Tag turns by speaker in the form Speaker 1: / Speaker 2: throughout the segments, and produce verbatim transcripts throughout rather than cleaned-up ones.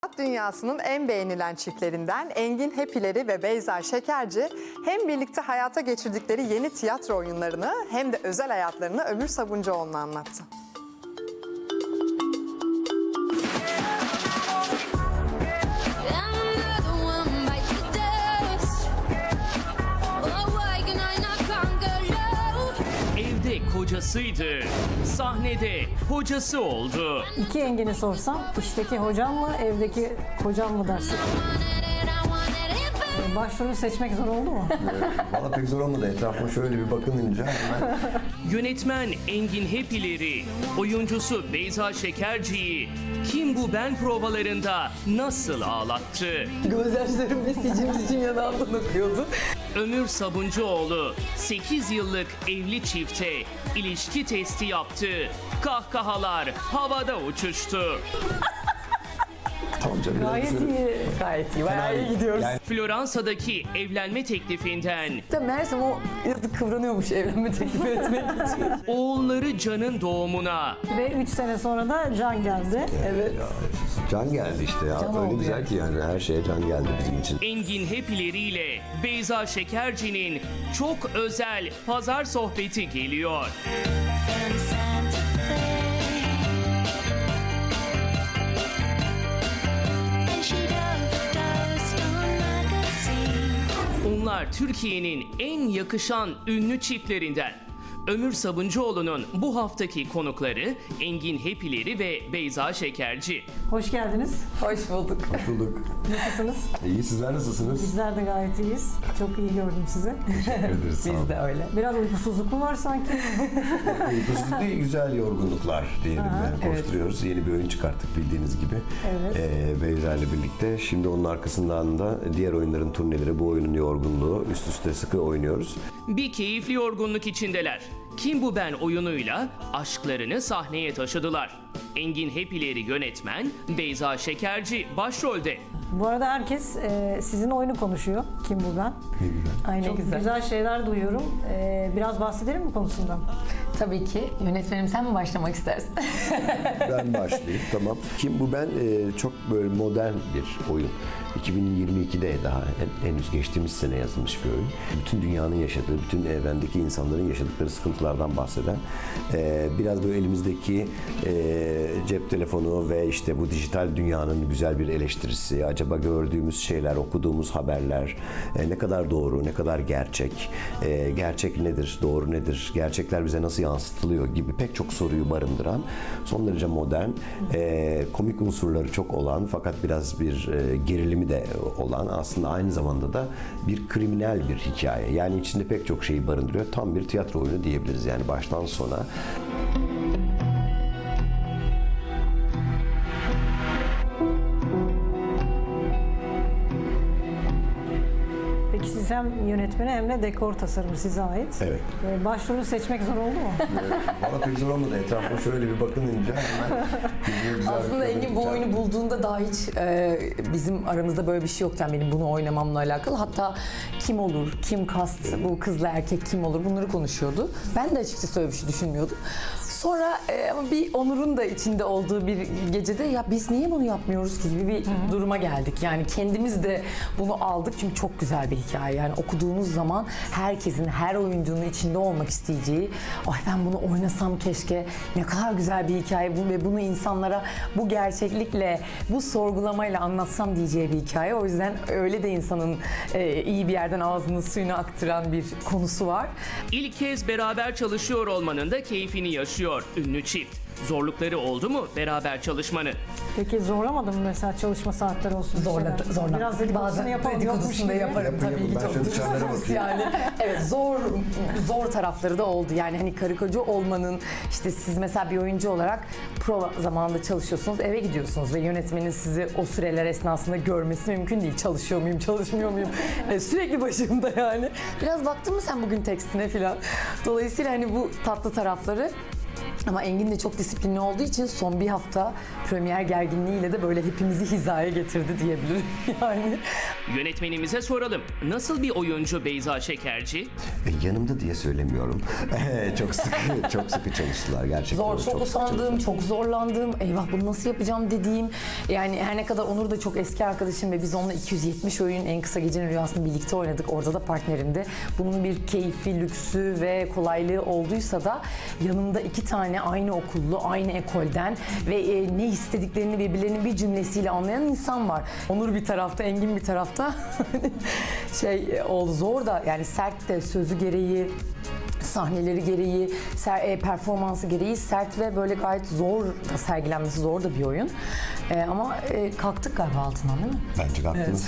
Speaker 1: Sanat dünyasının en beğenilen çiftlerinden Engin Hepileri ve Beyza Şekerci hem birlikte hayata geçirdikleri yeni tiyatro oyunlarını hem de özel hayatlarını Ömür Sabuncuoğlu'na anlattı.
Speaker 2: Evde kocasıydı, sahnede hocası oldu.
Speaker 3: İki Engin'i sorsam, işteki hocam mı, evdeki kocam mı dersin? Başrolü seçmek zor oldu mu?
Speaker 4: Valla pek zor olmadı. Etrafıma şöyle bir bakınınca hemen
Speaker 2: Yönetmen Engin Hepileri, oyuncusu Beyza Şekerci'yi Kim Bu Ben provalarında nasıl ağlattı?
Speaker 5: Gözyaşlarım ve sicim sicim yanağımdan akıyordu.
Speaker 2: Ömür Sabuncuoğlu sekiz yıllık evli çifte ilişki testi yaptı. Kahkahalar havada uçuştu.
Speaker 4: tamam canım. biraz
Speaker 3: Gayet
Speaker 4: şöyle-
Speaker 3: iyi.
Speaker 5: Gayet iyi, bayağı iyi gidiyoruz.
Speaker 4: Yani
Speaker 2: Floransa'daki evlenme teklifinden
Speaker 5: İşte meğersem o yazık kıvranıyormuş evlenme teklif etmek için.
Speaker 2: oğulları Can'ın doğumuna
Speaker 3: Ve üç sene sonra da Can geldi.
Speaker 5: Evet.
Speaker 4: Can geldi işte ya.
Speaker 5: Can
Speaker 4: Öyle
Speaker 5: oldu
Speaker 4: güzel
Speaker 5: yani.
Speaker 4: ki yani her şeye can geldi bizim için.
Speaker 2: Engin Hepileri ile Beyza Şekerci'nin çok özel pazar sohbeti geliyor.
Speaker 6: From Santa Fe. And she overdosed on magazine.
Speaker 2: Onlar Türkiye'nin en yakışan ünlü çiftlerinden. Ömür Sabuncuoğlu'nun bu haftaki konukları Engin Hepileri ve Beyza Şekerci.
Speaker 3: Hoş geldiniz.
Speaker 5: Hoş bulduk.
Speaker 4: Hoş bulduk.
Speaker 3: Nasılsınız?
Speaker 4: İyi, sizler nasılsınız?
Speaker 3: Bizler de gayet iyiyiz. Çok iyi gördüm sizi.
Speaker 4: Teşekkür ederiz. Sağ
Speaker 5: Biz
Speaker 4: olun.
Speaker 5: de öyle.
Speaker 3: Biraz uykusuzluk mu var sanki?
Speaker 4: Uykusuzluk değil, güzel yorgunluklar diyelim yani.
Speaker 5: evet.
Speaker 4: Koşturuyoruz. Yeni bir oyun çıkarttık bildiğiniz gibi.
Speaker 3: Evet.
Speaker 4: Ee, Beyza ile birlikte. Şimdi onun arkasından da diğer oyunların turneleri, bu oyunun yorgunluğu üst üste sıkı oynuyoruz.
Speaker 2: Bir keyifli yorgunluk içindeler. Kim Bu Ben oyunuyla aşklarını sahneye taşıdılar. Engin Hepileri yönetmen, Beyza Şekerci başrolde.
Speaker 3: Bu arada herkes e, sizin oyunu konuşuyor. Kim bu ben?
Speaker 4: Ne güzel.
Speaker 3: Aynen. Çok
Speaker 5: güzel.
Speaker 3: güzel. şeyler duyuyorum. E, biraz bahsedelim mi konusundan?
Speaker 5: Tabii ki. Yönetmenim sen mi başlamak istersin?
Speaker 4: Ben başlayayım, tamam. Kim Bu Ben e, çok böyle modern bir oyun. iki bin yirmi ikide daha hen- henüz geçtiğimiz sene yazılmış bir oyun. Bütün dünyanın yaşadığı, bütün evrendeki insanların yaşadıkları sıkıntılardan bahseden, e, biraz böyle elimizdeki e, cep telefonu ve işte bu dijital dünyanın güzel bir eleştirisi, acaba gördüğümüz şeyler, okuduğumuz haberler e, ne kadar doğru, ne kadar gerçek, e, gerçek nedir, doğru nedir, gerçekler bize nasıl yansıtılıyor gibi pek çok soruyu barındıran, son derece modern, e, komik unsurları çok olan fakat biraz bir e, gerilimi de olan, aslında aynı zamanda da bir kriminal bir hikaye. Yani içinde pek çok şeyi barındırıyor. Tam bir tiyatro oyunu diyebiliriz yani baştan sona.
Speaker 3: Peki siz hem yönetmeni hem de dekor tasarımı size ait.
Speaker 4: Evet.
Speaker 3: E, başrolü seçmek zor oldu mu?
Speaker 4: Valla pek zor olmadı. Etrafıma şöyle bir bakınınca hemen birbirine güzel
Speaker 5: Aslında
Speaker 4: bir
Speaker 5: Engin bu
Speaker 4: kadın
Speaker 5: oyunu bulduğunda daha hiç e, bizim aramızda böyle bir şey yoktu. Yani benim bunu oynamamla alakalı. Hatta kim olur, kim kast, bu kızla erkek kim olur bunları konuşuyordu. Ben de açıkçası öyle bir şey düşünmüyordum. Sonra e, ama bir Onur'un da içinde olduğu bir gecede ya biz niye bunu yapmıyoruz ki gibi bir duruma geldik. Yani kendimiz de bunu aldık çünkü çok güzel bir hikaye. Yani okuduğunuz zaman herkesin, her oyuncunun içinde olmak isteyeceği, ay ben bunu oynasam keşke, ne kadar güzel bir hikaye bu ve bunu insanlara bu gerçeklikle, bu sorgulamayla anlatsam diyeceği bir hikaye. O yüzden öyle de insanın e, iyi bir yerden ağzının suyunu aktıran bir konusu var.
Speaker 2: İlk kez beraber çalışıyor olmanın da keyfini yaşıyor ünlü çift. Zorlukları oldu mu beraber çalışmanın?
Speaker 3: Peki zorlamadı mı mesela çalışma saatleri olsun? bir
Speaker 5: Zorladı,
Speaker 3: şeyler?
Speaker 5: zorladı.
Speaker 3: Biraz dedikodusunu
Speaker 5: Bazen
Speaker 3: yapalım. yokmuş
Speaker 5: dedikodusunu da
Speaker 3: gibi.
Speaker 5: yaparım
Speaker 4: Yapın,
Speaker 5: tabii ki.
Speaker 4: yapın. Ben
Speaker 5: Çok
Speaker 4: şöyle dışarılara
Speaker 5: dürüst
Speaker 4: bakayım.
Speaker 5: yani. Evet, zor zor tarafları da oldu. Yani hani karı koca olmanın, işte siz mesela bir oyuncu olarak prova zamanında çalışıyorsunuz, eve gidiyorsunuz ve yönetmenin sizi o süreler esnasında görmesi mümkün değil. Çalışıyor muyum, çalışmıyor muyum? E, sürekli başımda yani. Biraz baktın mı sen bugün tekstine falan? Dolayısıyla hani bu tatlı tarafları. Ama Engin de çok disiplinli olduğu için son bir hafta premier gerginliğiyle de böyle hepimizi hizaya getirdi diyebilirim yani.
Speaker 2: Yönetmenimize soralım. Nasıl bir oyuncu Beyza Şekerci?
Speaker 4: E, yanımda diye söylemiyorum. çok sıkı, çok sıkı çalıştılar gerçekten.
Speaker 5: Zor, çok,
Speaker 4: sıkı
Speaker 5: utandığım,
Speaker 4: çalıştılar.
Speaker 5: çok zorlandığım, eyvah bunu nasıl yapacağım dediğim. Yani her ne kadar Onur da çok eski arkadaşım ve biz onunla iki yüz yetmiş oyun En Kısa Gecenin Rüyası'nı birlikte oynadık. Orada da partnerimdi. Bunun bir keyfi, lüksü ve kolaylığı olduysa da yanımda iki tane aynı okullu, aynı ekolden ve e, ne istediklerini birbirlerinin bir cümlesiyle anlayan insan var. Onur bir tarafta, Engin bir tarafta. şey e, oldu zor da yani sert de sözü gereği, sahneleri gereği, ser, e, performansı gereği sert ve böyle gayet zor da sergilenmesi zor da bir oyun. E, ama e, kalktık galiba altından değil mi?
Speaker 4: Bence kalktınız.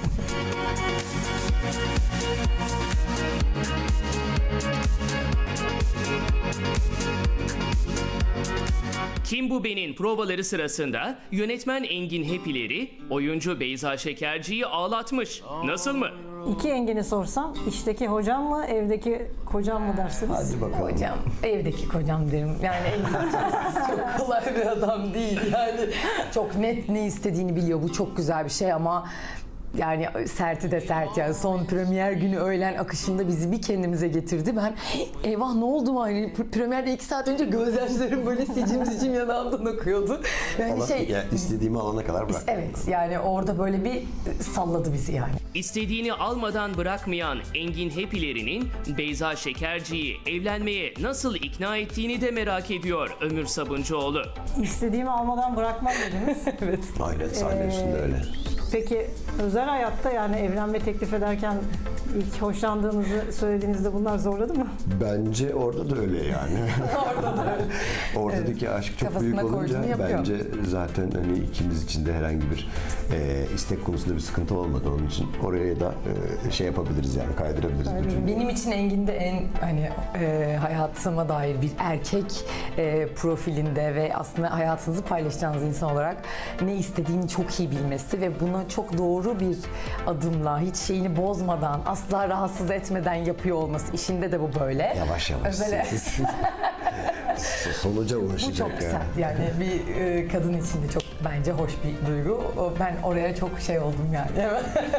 Speaker 2: Kim Bu Ben'in provaları sırasında yönetmen Engin Hepileri oyuncu Beyza Şekerci'yi ağlatmış. Nasıl mı?
Speaker 3: İki Engin'i sorsam, işteki hocam mı, evdeki kocam mı dersiniz?
Speaker 4: Hadi bakalım.
Speaker 5: Hocam, evdeki kocam derim. Yani Engin hocam çok kolay bir adam değil. Yani çok net ne istediğini biliyor. Bu çok güzel bir şey ama yani serti de sert yani son premier günü öğlen akışında bizi bir kendimize getirdi. Ben eyvah ne oldu mu? Yani premierde iki saat önce gözyaşlarım böyle sicim sicim yanağımdan akıyordu. Yani
Speaker 4: Allah,
Speaker 5: şey
Speaker 4: ya istediğimi alana kadar bırak.
Speaker 5: evet yani orada böyle bir salladı bizi yani.
Speaker 2: İstediğini almadan bırakmayan Engin Hepileri'nin Beyza Şekerci'yi evlenmeye nasıl ikna ettiğini de merak ediyor Ömür Sabuncuoğlu.
Speaker 3: İstediğimi almadan bırakmam dediniz.
Speaker 5: Evet.
Speaker 4: Aynen sahne üstünde öyle.
Speaker 3: Peki özel hayatta yani evlenme teklif ederken ilk hoşlandığınızı söylediğinizde bunlar zorladı mı?
Speaker 4: Bence orada da öyle yani.
Speaker 5: Orada da öyle.
Speaker 4: Oradaki aşk çok
Speaker 5: Kafasına
Speaker 4: büyük olunca
Speaker 5: koyduğunu yapıyor.
Speaker 4: bence zaten hani ikimiz için de herhangi bir e, istek konusunda bir sıkıntı olmadı onun için. Oraya da e, şey yapabiliriz yani kaydırabiliriz bütün.
Speaker 5: Benim için Engin de en hani e, hayatıma dair bir erkek e, profilinde ve aslında hayatınızı paylaşacağınız insan olarak ne istediğini çok iyi bilmesi ve buna çok doğru bir adımla hiç şeyini bozmadan asla rahatsız etmeden yapıyor olması işinde de bu böyle.
Speaker 4: Yavaş yavaş.
Speaker 5: Özel-
Speaker 4: siz- siz- Sonuca
Speaker 5: Bu
Speaker 4: ulaşacak
Speaker 5: çok
Speaker 4: yani.
Speaker 5: sert yani bir e, kadın için de çok bence hoş bir duygu. O, ben oraya çok şey oldum yani.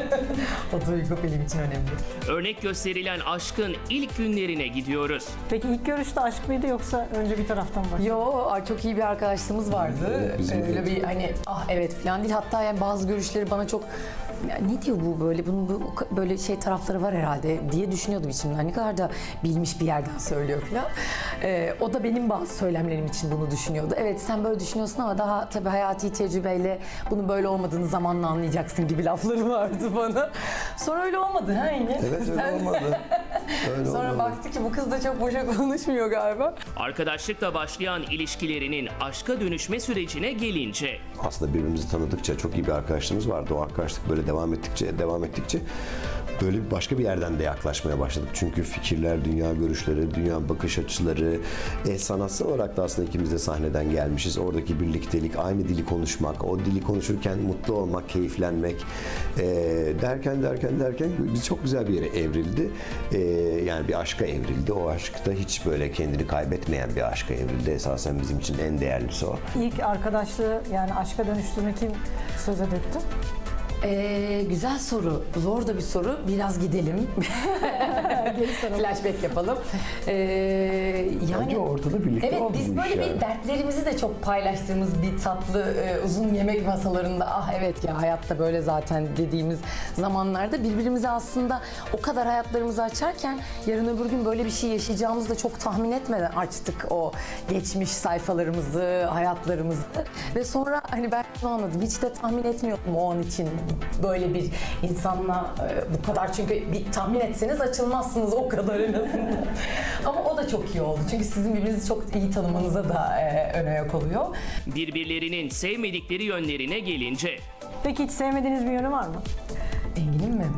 Speaker 5: O duygu benim için önemli.
Speaker 2: Örnek gösterilen aşkın ilk günlerine gidiyoruz.
Speaker 3: Peki ilk görüşte aşk mıydı yoksa önce bir taraftan mı başladı?
Speaker 5: Yo ay çok iyi bir arkadaşlığımız vardı.
Speaker 4: Evet, bizim
Speaker 5: Öyle
Speaker 4: de.
Speaker 5: bir hani ah evet falan değil. Hatta yani bazı görüşleri bana çok ya ne diyor bu böyle bunun bu, böyle şey tarafları var herhalde diye düşünüyordum içimden. Ne kadar da bilmiş bir yerden söylüyor falan. Ee, o da benim bazı söylemlerim için bunu düşünüyordu. Evet sen böyle düşünüyorsun ama daha tabii hayati tecrübeyle bunun böyle olmadığını zamanla anlayacaksın gibi lafları vardı bana. Sonra öyle olmadı ha yine.
Speaker 4: Evet öyle
Speaker 5: Sen-
Speaker 4: olmadı. Öyle
Speaker 5: Sonra
Speaker 4: olmadı.
Speaker 5: baktı ki bu kız da çok boşa konuşmuyor galiba.
Speaker 2: Arkadaşlıkla başlayan ilişkilerinin aşka dönüşme sürecine gelince
Speaker 4: Aslında birbirimizi tanıdıkça çok iyi bir arkadaşlığımız vardı. O arkadaşlık böyle devam ettikçe devam ettikçe böyle bir başka bir yerden de yaklaşmaya başladık. Çünkü fikirler, dünya görüşleri, dünya bakış açıları, e, sanatsal olarak da aslında ikimiz de sahneden gelmişiz. Oradaki birliktelik, aynı dili konuşmak, o dili konuşurken mutlu olmak, keyiflenmek e, derken derken derken biz çok güzel bir yere evrildi. E, yani bir aşka evrildi. O aşkta hiç böyle kendini kaybetmeyen bir aşka evrildi. Esasen bizim için en değerlisi o.
Speaker 3: İlk arkadaşlığı yani aşka dönüştürme kim söze döktü?
Speaker 5: Ee, güzel soru. Zor da bir soru. Biraz gidelim. Flashback yapalım. Ee, yani
Speaker 4: Bence ortada birlikte
Speaker 5: evet
Speaker 4: oldu
Speaker 5: biz
Speaker 4: bu
Speaker 5: böyle
Speaker 4: iş
Speaker 5: bir
Speaker 4: yani.
Speaker 5: dertlerimizi de çok paylaştığımız bir tatlı e, uzun yemek masalarında ah evet ya hayatta böyle zaten dediğimiz zamanlarda birbirimize aslında o kadar hayatlarımızı açarken yarın öbür gün böyle bir şey yaşayacağımızı da çok tahmin etmeden açtık o geçmiş sayfalarımızı, hayatlarımızı ve sonra hani ben şunu anladım hiç de tahmin etmiyordum o an için böyle bir insanla e, bu kadar çünkü bir tahmin etseniz açılmazsınız o kadar en azından. Ama o da çok iyi oldu. Çünkü sizin birbirinizi çok iyi tanımanıza da e, ön ayak oluyor.
Speaker 2: birbirlerinin sevmedikleri yönlerine gelince
Speaker 3: Peki hiç sevmediğiniz bir yönü var mı?
Speaker 5: Engin'in mi?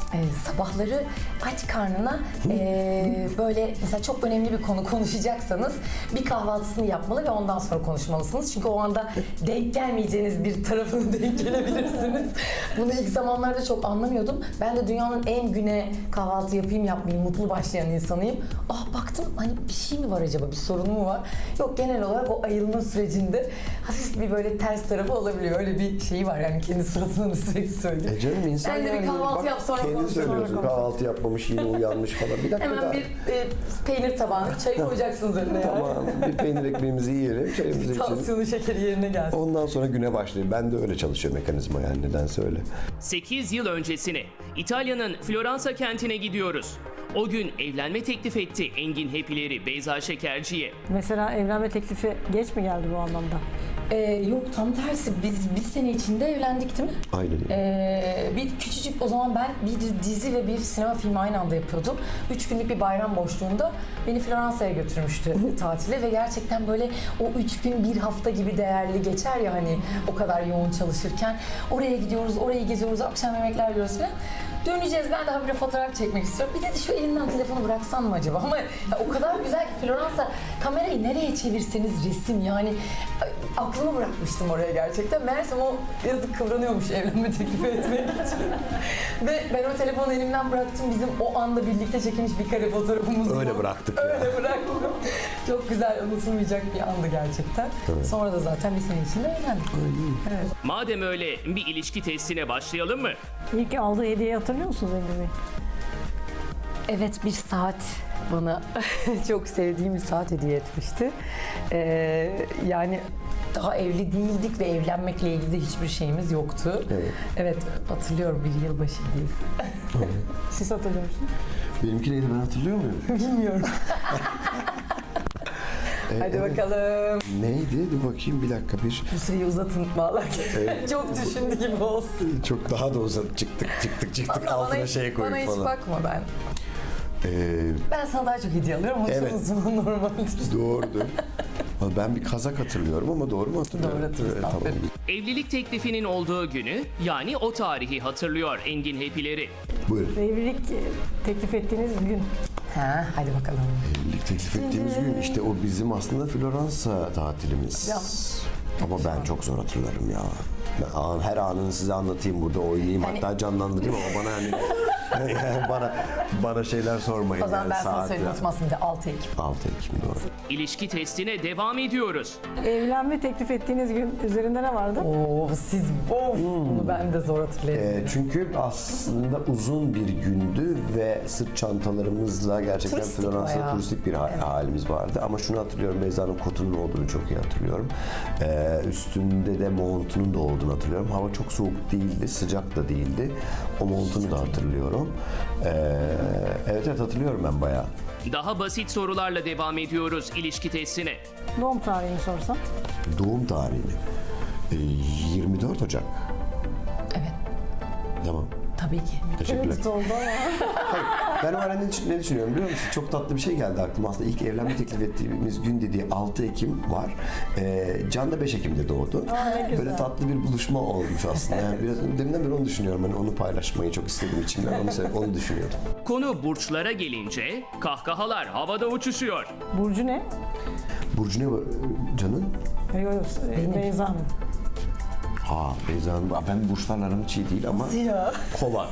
Speaker 5: Ee, sabahları aç karnına ee, böyle mesela çok önemli bir konu konuşacaksanız bir kahvaltısını yapmalı ve ondan sonra konuşmalısınız. Çünkü o anda denk gelmeyeceğiniz bir tarafına denk gelebilirsiniz. Bunu ilk zamanlarda çok anlamıyordum. Ben de dünyanın en güne kahvaltı yapayım yapmayayım mutlu başlayan insanıyım. Ah baktım hani bir şey mi var acaba, bir sorun mu var? Yok, genel olarak o ayılma sürecinde hafif bir böyle ters tarafı olabiliyor. Öyle bir şey var yani, kendi suratına da sürekli söylüyor.
Speaker 4: E canım insan
Speaker 5: Sen de bir
Speaker 4: yani,
Speaker 5: kahvaltı
Speaker 4: bak,
Speaker 5: yap, sonra
Speaker 4: kendin
Speaker 5: konuş, sonra
Speaker 4: söylüyorsun
Speaker 5: konuş.
Speaker 4: kahvaltı yapmamış yine uyanmış falan. Bir dakika
Speaker 5: Hemen
Speaker 4: daha.
Speaker 5: bir e, peynir tabağına çay koyacaksınız önüne yani.
Speaker 4: Tamam, bir peynir ekmeğimizi yiyelim, çayımızı içelim.
Speaker 5: Tansiyonu, şekeri yerine gelsin.
Speaker 4: Ondan sonra güne başlayayım. Ben de öyle çalışıyor mekanizma yani, nedense öyle.
Speaker 2: sekiz yıl öncesine İtalya'nın Floransa kentine gidiyoruz. O gün evlenme teklif etti Engin Hepileri Beyza Şekerci'ye.
Speaker 3: Mesela evlenme teklifi geç mi geldi bu anlamda?
Speaker 5: Ee, yok, tam tersi. Biz bir sene içinde evlendik değil mi?
Speaker 4: Aynen.
Speaker 5: Ee, bir küçücük, o zaman ben bir dizi ve bir sinema filmi aynı anda yapıyordum. Üç günlük bir bayram boşluğunda beni Floransa'ya götürmüştü tatile ve gerçekten böyle o üç gün bir hafta gibi değerli geçer ya hani, o kadar yoğun çalışırken. Oraya gidiyoruz, orayı geziyoruz, akşam yemekler yiyoruz falan. Döneceğiz, ben daha bir fotoğraf çekmek istiyorum. Bir de şu elinden telefonu bıraksan mı acaba? Ama ya o kadar güzel ki Floransa, kamerayı nereye çevirseniz resim yani. Ay, aklımı bırakmıştım oraya gerçekten. Meğersem o yazık kıvranıyormuş evlenme teklifi etmek için. Ve ben o telefonu elimden bıraktım. Bizim o anda birlikte çekilmiş bir kare fotoğrafımız var.
Speaker 4: Öyle bıraktık ya.
Speaker 5: Öyle bıraktım. Çok güzel, unutulmayacak bir andı gerçekten.
Speaker 4: Evet.
Speaker 5: Sonra da zaten bir sene içinde evlendik. Evet.
Speaker 2: Madem öyle bir ilişki testine başlayalım mı?
Speaker 3: İlk aldığı hediyeyi hatırlıyor musunuz Engin Bey?
Speaker 5: Evet, bir saat bana çok sevdiğim bir saat hediye etmişti. Ee, yani daha evli değildik ve evlenmekle ilgili de hiçbir şeyimiz yoktu.
Speaker 4: Evet.
Speaker 5: Evet, hatırlıyorum, bir yılbaşı hediyesi.
Speaker 3: Siz hatırlıyor musunuz?
Speaker 4: Benimki neydi, ben hatırlıyor muyum?
Speaker 5: Bilmiyorum. Hadi
Speaker 4: evet.
Speaker 5: bakalım.
Speaker 4: Neydi? Dur bakayım bir dakika bir.
Speaker 5: Bu süreyi uzatın vallahi.
Speaker 4: Evet.
Speaker 5: Çok düşündü gibi olsun.
Speaker 4: Çok daha da uzat çıktık çıktık çıktık
Speaker 5: Bana
Speaker 4: altına
Speaker 5: hiç-
Speaker 4: şey koyup
Speaker 5: Bana hiç
Speaker 4: falan.
Speaker 5: bakma ben.
Speaker 4: Ee,
Speaker 5: Ben sana daha çok hediye alıyorum. O
Speaker 4: Evet.
Speaker 5: evet. normaldir.
Speaker 4: doğrudur. Ben bir kazak hatırlıyorum ama doğru mu hatırlıyorum?
Speaker 5: Doğru hatırlıyorsun,
Speaker 4: Evet, tamam.
Speaker 5: aferin.
Speaker 2: Evlilik teklifinin olduğu günü, yani o tarihi hatırlıyor Engin Hepileri.
Speaker 4: Buyurun.
Speaker 3: Evlilik e, teklif ettiğiniz gün.
Speaker 5: Ha, hadi bakalım.
Speaker 4: Evlilik teklif ettiğimiz gün işte o bizim aslında Floransa tatilimiz.
Speaker 5: Ya.
Speaker 4: Ama ben çok zor hatırlarım ya. Ben an- her anını size anlatayım burada, oynayayım
Speaker 5: Hani-
Speaker 4: hatta canlandırayım ama bana hani yani bana bana şeyler sormayın.
Speaker 5: O zaman
Speaker 4: yani,
Speaker 5: ben sana
Speaker 4: saat
Speaker 5: söyleyeyim,
Speaker 4: ya.
Speaker 5: unutmasın bir de altı Ekim.
Speaker 4: altı Ekim doğru.
Speaker 2: İlişki testine devam ediyoruz.
Speaker 3: Evlenme teklif ettiğiniz gün üzerinde ne vardı?
Speaker 5: Oo, siz of, bunu ben de zor hatırlayabilirim.
Speaker 4: Ee, çünkü aslında uzun bir gündü ve sırt çantalarımızla gerçekten
Speaker 5: Turistik
Speaker 4: Floransa'da
Speaker 5: bayağı.
Speaker 4: turistik bir ha- halimiz vardı. Ama şunu hatırlıyorum, Beyza'nın kotunun olduğunu çok iyi hatırlıyorum. Ee, üstünde de montunun da olduğunu hatırlıyorum. Hava çok soğuk değildi, sıcak da değildi. O montunu da hatırlıyorum. Ee, evet evet hatırlıyorum ben bayağı.
Speaker 2: Daha basit sorularla devam ediyoruz ilişki testine.
Speaker 3: Doğum tarihini sorsam.
Speaker 4: Doğum tarihini. Ee, yirmi dört Ocak.
Speaker 5: Evet,
Speaker 4: Tamam.
Speaker 5: tabii ki.
Speaker 4: Teşekkürler.
Speaker 3: Evet oldu ama.
Speaker 4: Ben o ara ne, ne düşünüyorum biliyor musun? Çok tatlı bir şey geldi aklıma. Aslında ilk evlenme teklif ettiğimiz gün dediği altı Ekim var. Ee, Can da beş Ekim'de doğdu.
Speaker 3: Aa, ne güzel.
Speaker 4: Böyle tatlı bir buluşma olmuş aslında. Yani biraz deminden beri onu düşünüyorum. Hani onu paylaşmayı çok istedim içimden. Onu, sev- onu düşünüyordum.
Speaker 2: Konu burçlara gelince kahkahalar havada uçuşuyor.
Speaker 3: Burcu ne?
Speaker 4: Burcu ne bu? Can'ın?
Speaker 3: Yok yok, e, Beyza Hanım.
Speaker 4: Ha Beyza'nın. Aa, Ben burçlarla aram hiç iyi değil ama
Speaker 5: Ya,
Speaker 4: Kova.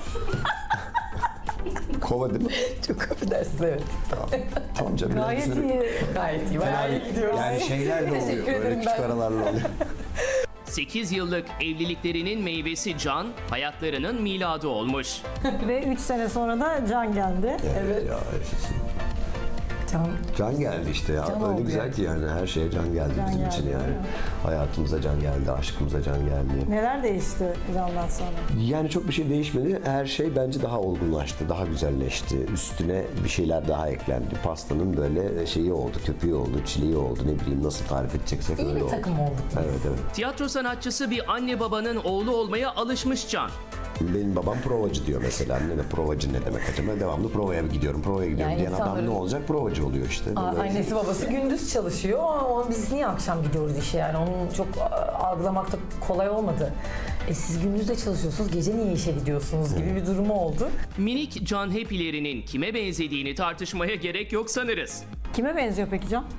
Speaker 4: Kova değil mi?
Speaker 5: çok affedersiniz, evet.
Speaker 4: Tamam, tamam canım. biraz
Speaker 3: Gayet
Speaker 4: düşünelim.
Speaker 3: iyi.
Speaker 5: Gayet iyi, bayağı iyi gidiyoruz.
Speaker 4: Yani şeylerle oluyor.
Speaker 5: Teşekkür
Speaker 4: Böyle
Speaker 5: ederim
Speaker 4: küçük
Speaker 5: ben.
Speaker 4: aralarla oluyor.
Speaker 2: sekiz yıllık evliliklerinin meyvesi Can, hayatlarının miladı olmuş.
Speaker 3: Ve üç sene sonra da Can geldi.
Speaker 5: Evet.
Speaker 4: Ya,
Speaker 5: Can,
Speaker 4: Can geldi işte ya.
Speaker 5: Can
Speaker 4: Öyle
Speaker 5: oldu
Speaker 4: güzel
Speaker 5: yani.
Speaker 4: ki yani her şeye can geldi
Speaker 3: Can
Speaker 4: bizim
Speaker 3: geldi,
Speaker 4: için yani.
Speaker 3: değil mi?
Speaker 4: Hayatımıza can geldi, aşkımıza can geldi.
Speaker 3: Neler değişti Can'dan sonra?
Speaker 4: Yani çok bir şey değişmedi. Her şey bence daha olgunlaştı, daha güzelleşti. Üstüne bir şeyler daha eklendi. Pastanın böyle şeyi oldu, köpüğü oldu, çileği oldu. Ne bileyim nasıl tarif edeceksek
Speaker 5: iyi
Speaker 4: öyle
Speaker 5: bir
Speaker 4: oldu.
Speaker 5: takım olduk.
Speaker 4: Evet evet.
Speaker 2: Tiyatro sanatçısı bir anne babanın oğlu olmaya alışmış Can.
Speaker 4: Benim babam provacı diyor mesela. Anne de provacı ne demek acaba? Devamlı provaya gidiyorum, provaya gidiyorum
Speaker 5: Yani
Speaker 4: diyen adam
Speaker 5: insanların-
Speaker 4: ne olacak? Provacı oluyor işte.
Speaker 5: Aa,
Speaker 4: Böyle-
Speaker 5: annesi babası gündüz çalışıyor. Ama biz niye akşam gidiyoruz işe yani? Onu çok a, algılamak da kolay olmadı. E siz gündüz de çalışıyorsunuz, gece niye işe gidiyorsunuz gibi bir durumu oldu.
Speaker 2: Minik Can Happy'lerinin kime benzediğini tartışmaya gerek yok sanırız.
Speaker 3: Kime benziyor peki Can?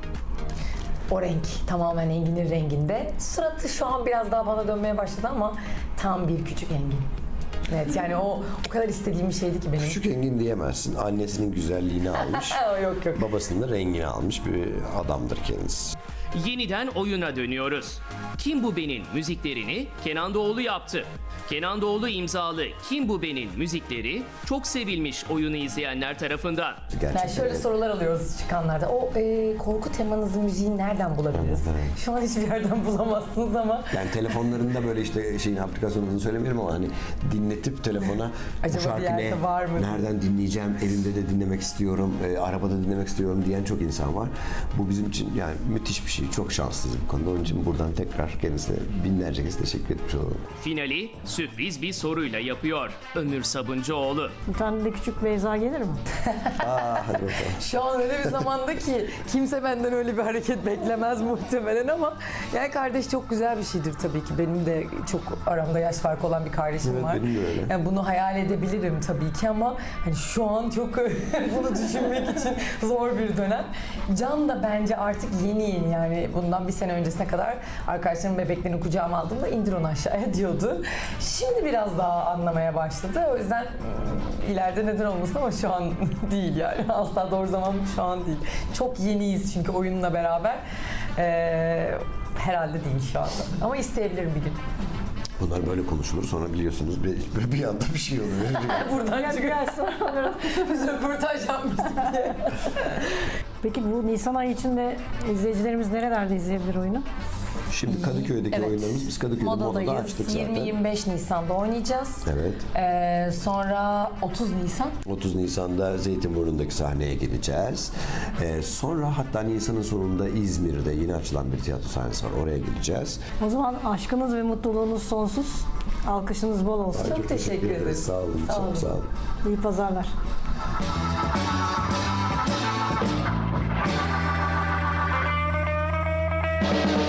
Speaker 5: O renk tamamen Engin'in renginde. Suratı şu an biraz daha bana dönmeye başladı ama tam bir küçük Engin. Evet yani o o kadar istediğim bir şeydi ki benim.
Speaker 4: Küçük Engin diyemezsin. Annesinin güzelliğini almış.
Speaker 5: yok yok.
Speaker 4: Babasının da rengini almış bir adamdır kendisi.
Speaker 2: Yeniden oyuna dönüyoruz. Kim Bu Ben'in müziklerini Kenan Doğulu yaptı. Kenan Doğulu imzalı Kim Bu Ben'in müzikleri çok sevilmiş oyunu izleyenler tarafından.
Speaker 4: Gerçekten.
Speaker 5: Yani şöyle sorular alıyoruz çıkanlarda. O e, korku temanızın müziği nereden bulabiliriz? Şu an hiçbir yerden bulamazsınız ama
Speaker 4: Yani telefonlarında böyle işte şeyin aplikasyonunu söylemiyorum ama hani dinletip telefona
Speaker 5: Acaba
Speaker 4: bu
Speaker 5: bir
Speaker 4: şarkı
Speaker 5: yerde
Speaker 4: ne,
Speaker 5: var mı?
Speaker 4: nereden dinleyeceğim, evimde de dinlemek istiyorum, e, arabada dinlemek istiyorum diyen çok insan var. Bu bizim için yani müthiş bir şey. Çok şanslıyız bu konuda. Onun için buradan tekrar kendisine binlerce kez teşekkür etmiş olalım.
Speaker 2: Finali sürpriz bir soruyla yapıyor Ömür Sabuncuoğlu.
Speaker 3: Bir tane de küçük Beyza gelir mi?
Speaker 4: Aa, hadi bakalım.
Speaker 5: şu an öyle bir zamanda ki kimse benden öyle bir hareket beklemez muhtemelen ama yani kardeş çok güzel bir şeydir tabii ki. Benim de çok aramda yaş farkı olan bir kardeşim
Speaker 4: Evet,
Speaker 5: var.
Speaker 4: benim de öyle.
Speaker 5: Yani bunu hayal edebilirim tabii ki ama hani şu an çok bunu düşünmek için zor bir dönem. Can da bence artık yeni yeni yani bundan bir sene öncesine kadar arkadaşlarım bebeklerini kucağıma aldığımda indir onu aşağıya diyordu. Şimdi biraz daha anlamaya başladı. O yüzden hmm, ileride neden olmasın ama şu an değil yani. Asla doğru zaman şu an değil. Çok yeniyiz çünkü oyunla beraber. Ee, herhalde değil şu anda. Ama isteyebilirim bir gün.
Speaker 4: Bunlar böyle konuşulur sonra biliyorsunuz bir, bir anda bir şey oluyor.
Speaker 5: Buradan
Speaker 3: Gel
Speaker 5: çıkıyor.
Speaker 3: gelsin.
Speaker 5: Biz röportaj yapmıştık diye.
Speaker 3: Peki bu Nisan ayı içinde izleyicilerimiz nerelerde izleyebilir oyunu?
Speaker 4: Şimdi Kadıköy'deki
Speaker 5: Evet.
Speaker 4: oyunlarımız biz Kadıköy'de modada
Speaker 5: Modadayız.
Speaker 4: açtık zaten.
Speaker 5: yirmi yirmi beş Nisan'da oynayacağız.
Speaker 4: Evet.
Speaker 5: Ee, sonra otuz Nisan.
Speaker 4: otuz Nisan'da Zeytinburnu'ndaki sahneye gideceğiz. Ee, sonra hatta Nisan'ın sonunda İzmir'de yeni açılan bir tiyatro sahnesi var. Oraya gideceğiz.
Speaker 3: O zaman aşkınız ve mutluluğunuz sonsuz. Alkışınız bol olsun.
Speaker 5: Çok teşekkür ederiz.
Speaker 4: Sağ olun.
Speaker 5: Sağ
Speaker 4: çok
Speaker 5: olun.
Speaker 4: sağ olun.
Speaker 3: İyi pazarlar.
Speaker 6: Thank